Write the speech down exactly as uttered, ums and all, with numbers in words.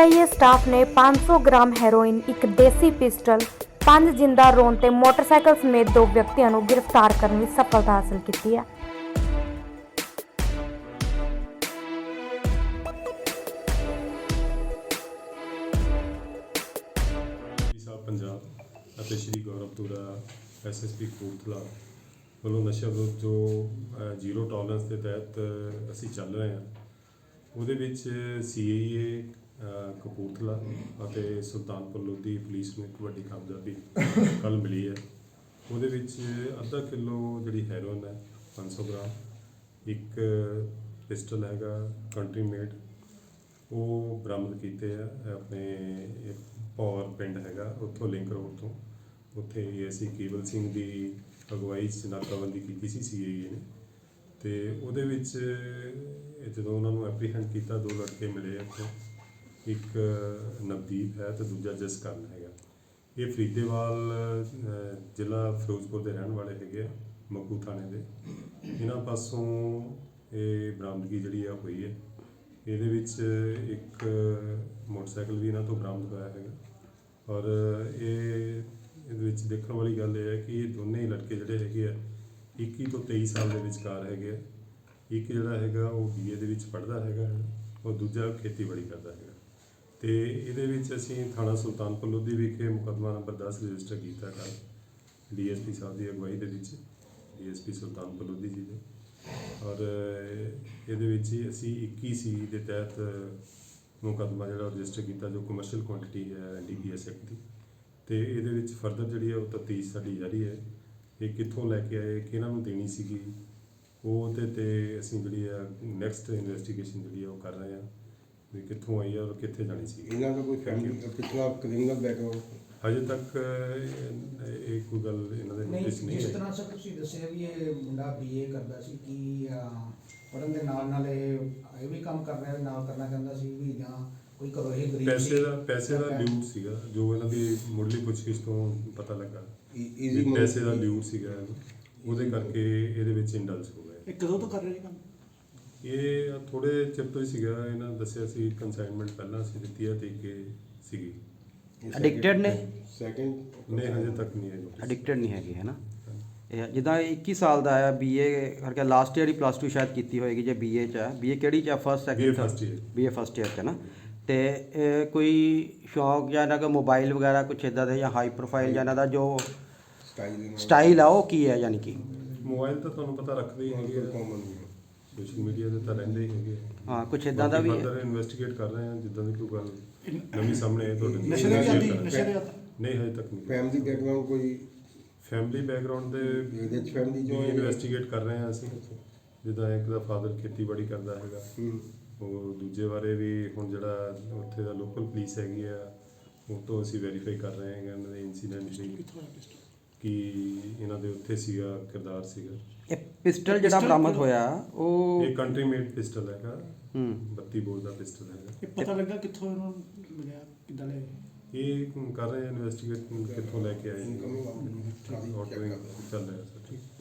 I A staff ने पाँच सौ ग्राम हैरोइन, एक देसी पिस्टल, पांच जिंदा रोन ते मोटरसाइकिल समेत दो व्यक्तियों को गिरफ्तार करने में सफलता हासिल की है। ਸਾਹਿਬ ਪੰਜਾਬ ਅਤੇ Shri Gauravpura S S P Kapurthala ਵੱਲੋਂ ਨਸ਼ਾ ਵਿਰੁੱਧ ਜੋ ਅ, ਜ਼ੀਰੋ ਟੋਲਰੈਂਸ ਦੇ ਤਹਿਤ ਅਸੀਂ ਚੱਲ ਰਹੇ ਹਾਂ, ਉਹਦੇ ਵਿੱਚ ਸੀ ਆਈ ਏ ਕਪੂਰਥਲਾ ਅਤੇ ਸੁਲਤਾਨਪੁਰ ਲੋਧੀ ਪੁਲਿਸ ਨੂੰ ਇੱਕ ਵੱਡੀ ਕਾਮਯਾਬੀ ਕੱਲ੍ਹ ਮਿਲੀ ਹੈ। ਉਹਦੇ ਵਿੱਚ ਅੱਧਾ ਕਿਲੋ ਜਿਹੜੀ ਹੈਰੋਇਨ ਹੈ ਪੰਜ ਸੌ ਗ੍ਰਾਮ, ਇੱਕ ਪਿਸਟਲ ਹੈਗਾ ਕੰਟਰੀ ਮੇਡ, ਉਹ ਬਰਾਮਦ ਕੀਤੇ ਆ ਆਪਣੇ ਭੌਰ ਪਿੰਡ ਹੈਗਾ ਉੱਥੋਂ ਲਿੰਕ ਰੋਡ ਤੋਂ। ਉੱਥੇ ਏ ਐਸ ਆਈ ਕੇਵਲ ਸਿੰਘ ਦੀ ਅਗਵਾਈ 'ਚ ਨਾਕਾਬੰਦੀ ਕੀਤੀ ਸੀ ਸੀ ਆਈ ਏ ਨੇ, ਅਤੇ ਉਹਦੇ ਵਿੱਚ ਜਦੋਂ ਉਹਨਾਂ ਨੂੰ ਐਪਰੀਹੈਂਡ ਕੀਤਾ ਦੋ ਲੜਕੇ ਮਿਲੇ ਇੱਥੋਂ, ਇੱਕ ਨਵਦੀਪ ਹੈ ਅਤੇ ਦੂਜਾ ਜਸਕਰਨ ਹੈਗਾ। ਇਹ ਫਰੀਦੇਵਾਲ ਅ, ਜ਼ਿਲ੍ਹਾ ਫਿਰੋਜ਼ਪੁਰ ਦੇ ਰਹਿਣ ਵਾਲੇ ਹੈਗੇ ਆ, ਮੱਕੂ ਥਾਣੇ ਦੇ। ਇਹਨਾਂ ਪਾਸੋਂ ਇਹ ਬਰਾਮਦਗੀ ਜਿਹੜੀ ਆ ਹੋਈ ਹੈ। ਇਹਦੇ ਵਿੱਚ ਇੱਕ ਮੋਟਰਸਾਈਕਲ ਵੀ ਇਹਨਾਂ ਤੋਂ ਬਰਾਮਦ ਹੋਇਆ ਹੈਗਾ, ਔਰ ਇਹ ਇਹਦੇ ਵਿੱਚ ਦੇਖਣ ਵਾਲੀ ਗੱਲ ਇਹ ਹੈ ਕਿ ਇਹ ਦੋਨੇ ਹੀ ਲੜਕੇ ਜਿਹੜੇ ਹੈਗੇ ਆ ਇੱਕੀ ਤੋਂ ਤੇਈ ਸਾਲ ਦੇ ਵਿਚਕਾਰ ਹੈਗੇ ਆ। ਇੱਕ ਜਿਹੜਾ ਹੈਗਾ ਉਹ ਬੀ ਏ ਦੇ ਵਿੱਚ ਪੜ੍ਹਦਾ ਹੈਗਾ, ਔਰ ਦੂਜਾ ਖੇਤੀਬਾੜੀ ਕਰਦਾ ਹੈਗਾ। ਅਤੇ ਇਹਦੇ ਵਿੱਚ ਅਸੀਂ ਥਾਣਾ ਸੁਲਤਾਨਪੁਰ ਲੋਧੀ ਵਿਖੇ ਮੁਕੱਦਮਾ ਨੰਬਰ ਦਸ ਰਜਿਸਟਰ ਕੀਤਾ ਕੱਲ੍ਹ ਡੀ ਐਸ ਪੀ ਸਾਹਿਬ ਦੀ ਅਗਵਾਈ ਦੇ ਵਿੱਚ, D S P Sultanpur Lodhi ji ਦੇ। ਔਰ ਇਹਦੇ ਵਿੱਚ ਹੀ ਅਸੀਂ ਇੱਕੀ ਸੀ ਦੇ ਤਹਿਤ ਮੁਕੱਦਮਾ ਜਿਹੜਾ ਰਜਿਸਟਰ ਕੀਤਾ, ਜੋ ਕਮਰਸ਼ੀਅਲ ਕੁਆਂਟਿਟੀ ਹੈ N D P S act ਦੀ। ਅਤੇ ਇਹਦੇ ਵਿੱਚ ਫਰਦਰ ਜਿਹੜੀ ਹੈ ਉਹ ਤਫਤੀਸ਼ ਸਾਡੀ ਜਾਰੀ ਹੈ। ਇਹ ਕਿੱਥੋਂ ਲੈ ਕੇ ਆਏ, ਕਿਹਨਾਂ ਨੂੰ ਦੇਣੀ ਸੀਗੀ, ਉਹ ਉਹਦੇ 'ਤੇ ਅਸੀਂ ਜਿਹੜੀ ਆ ਨੈਕਸਟ ਇਨਵੈਸਟੀਗੇਸ਼ਨ ਜਿਹੜੀ ਆ ਉਹ ਕਰ ਰਹੇ ਹਾਂ ਵੀ ਕਿੱਥੋਂ ਆਈ ਆ ਔਰ ਕਿੱਥੇ ਜਾਣੀ ਸੀ। ਇਹਨਾਂ ਦਾ ਕੋਈ ਫੈਮਿਲੀ ਪਿਛਲਾ ਕ੍ਰਿਮੀਨਲ ਬੈਕਗ੍ਰਾਉਂਡ ਹਜੇ ਤੱਕ ਇਹ ਇਹ ਕੋਈ ਗੱਲ ਇਹਨਾਂ ਦੇ ਨਹੀਂ, ਨੋਟਿਸ ਨਹੀਂ ਜਿਸ ਆਈ। ਤਰ੍ਹਾਂ ਸਰ ਤੁਸੀਂ ਦੱਸਿਆ ਵੀ ਇਹ ਮੁੰਡਾ ਬੀ ਏ ਕਰਦਾ ਸੀ, ਕਿ ਪੜ੍ਹਨ ਦੇ ਨਾਲ ਨਾਲ ਇਹ ਇਹ ਵੀ ਕੰਮ ਕਰ ਰਿਹਾ ਨਾਲ ਕਰਨਾ ਚਾਹੁੰਦਾ ਸੀ ਵੀ, ਜਾਂ ਕੋਈ ਘਰੋਂ ਇਹ ਗਰੀਬ ਪੈਸੇ ਸੀ? ਦਾ ਪੈਸੇ ਦਾ ਲਿਊਟ ਸੀਗਾ ਜੋ ਇਹਨਾਂ ਦੀ ਮੁੱਢਲੀ ਪੁੱਛਗਿੱਛ ਤੋਂ ਪਤਾ ਲੱਗਾ। ਈਜ਼ੀ ਵੀ ਪੈਸੇ ਦਾ ਲਿਊਟ ਸੀਗਾ ਇਹਨੂੰ, ਉਹਦੇ ਕਰਕੇ ਇਹਦੇ ਵਿੱਚ ਇੰਡਲਸ ਹੋ ਗਏ। ਇਹ ਕਦੋਂ ਤੋਂ ਕਰ ਰਹੇ ਕੰਮ? ਇਹ ਥੋੜੇ ਚਿਰ ਤੋਂ ਹੀ ਸੀਗਾ। ਇਹਨਾਂ ਨੇ ਦੱਸਿਆ ਸੀ ਕੰਸਾਈਨਮੈਂਟ ਪਹਿਲਾਂ ਅਸੀਂ ਦਿੱਤੀ ਹੈ ਤੇ ਕਿ ਸੀਗੀ। ਐਡਿਕਟਡ ਨੇ? ਸੈਕਿੰਡ ਨਹੀਂ, ਹਜੇ ਤੱਕ ਨਹੀਂ ਆਈ। ਐਡਿਕਟਡ ਨਹੀਂ ਹੈਗੇ ਹੈ ਨਾ। ਇਹ ਜਿੱਦਾਂ ਇੱਕੀ ਸਾਲ ਦਾ ਹੈ, ਬੀਏ ਕਰਕੇ ਲਾਸਟ ਈਅਰ ਹੀ ਪਲੱਸ ਟੂ ਸ਼ਾਇਦ ਕੀਤੀ ਹੋਏਗੀ, ਜੇ ਬੀਏ 'ਚ ਹੈ। ਬੀਏ ਕਿਹੜੀ 'ਚ ਹੈ? First B A second first year। BA first year 'ਚ ਹੈ ਨਾ। ਅਤੇ ਇਹ ਕੋਈ ਸ਼ੌਂਕ ਜਾਂ ਇਹਨਾਂ ਦਾ ਮੋਬਾਈਲ ਵਗੈਰਾ ਕੁਛ ਇੱਦਾਂ ਦੇ, ਜਾਂ ਹਾਈ ਪ੍ਰੋਫਾਈਲ ਜਾਂ ਇਹਨਾਂ ਦਾ ਜੋ ਸਟਾਈਲ ਸਟਾਈਲ ਆ ਉਹ ਕੀ ਹੈ? ਯਾਨੀ ਕਿ ਮੋਬਾਈਲ ਤਾਂ ਤੁਹਾਨੂੰ ਪਤਾ ਰੱਖਦੇ ਹੀ ਹੈਗੇ ਆ, ਕਾਮਨ ਸੋਸ਼ਲ ਮੀਡੀਆ ਦੇ ਤਾਂ ਰਹਿੰਦੇ ਹੀ ਹੈਗੇ ਆ। ਹਾਂ, ਕੁਛ ਇੱਦਾਂ ਦਾ ਵੀ ਹੈ। ਫਰਦਰ ਇਨਵੈਸਟੀਗੇਟ ਕਰ ਰਹੇ ਹਾਂ, ਜਿੱਦਾਂ ਦੀ ਕੋਈ ਗੱਲ ਨਵੀਂ ਸਾਹਮਣੇ ਆਏ ਤੁਹਾਡੇ ਨਸ਼ੇ ਦੇ ਵੀ ਆਦੀ ਨਾਲ ਨਸ਼ੇ ਦੇ ਆਦੀ ਨਹੀਂ, ਹਜੇ ਤੱਕ ਨਹੀਂ। ਫੈਮਿਲੀ ਬੈਕਗ੍ਰਾਉਂਡ ਕੋਈ ਫੈਮਿਲੀ ਬੈਕਗ੍ਰਾਉਂਡ ਦੇ ਇਹਦੇ ਚ ਫੈਮਿਲੀ ਜੋ ਇਨਵੈਸਟੀਗੇਟ ਕਰ ਰਹੇ ਹਾਂ ਅਸੀਂ। ਜਿੱਦਾਂ ਇੱਕ ਦਾ ਫਾਦਰ ਖੇਤੀਬਾੜੀ ਕਰਦਾ ਹੈਗਾ, ਹੂੰ ਉਹ ਦੂਜੇ ਬਾਰੇ ਵੀ ਹੁਣ ਜਿਹੜਾ ਉੱਥੇ ਦਾ ਲੋਕਲ ਪੁਲਿਸ ਹੈਗੀ ਆ ਉਹ ਤੋਂ ਅਸੀਂ ਵੈਰੀਫਾਈ ਕਰ ਰਹੇ ਹਾਂ ਇਹਨਾਂ ਦੇ ਇਨਸੀਡੈਂਟ ਲਈ ਕਿ ਇਹਨਾਂ ਦੇ ਉੱਥੇ ਸੀਗਾ ਕਿਰਦਾਰ ਸੀਗਾ। ਇਹ ਪਿਸਟਲ ਜਿਹੜਾ ਬਰਾਮਦ ਹੋਇਆ ਉਹ ਇਹ ਕੰਟਰੀ ਮੇਡ ਪਿਸਟਲ ਹੈਗਾ, ਹੂੰ ਬੱਤੀ ਬੋਰ ਦਾ ਪਿਸਟਲ ਹੈਗਾ। ਇਹ ਪਤਾ ਲੱਗਾ ਕਿੱਥੋਂ ਇਹਨੂੰ ਮਿਲਿਆ, ਕਿੱਦਾਂ ਲਿਆ? ਇਹ ਕਰ ਰਹੇ ਇਨਵੈਸਟੀਗੇਟ ਕਿੱਥੋਂ ਲੈ ਕੇ ਆਏ, ਇਨਕਮ ਚੱਲ ਰਿਹਾ ਸਰ। ਠੀਕ।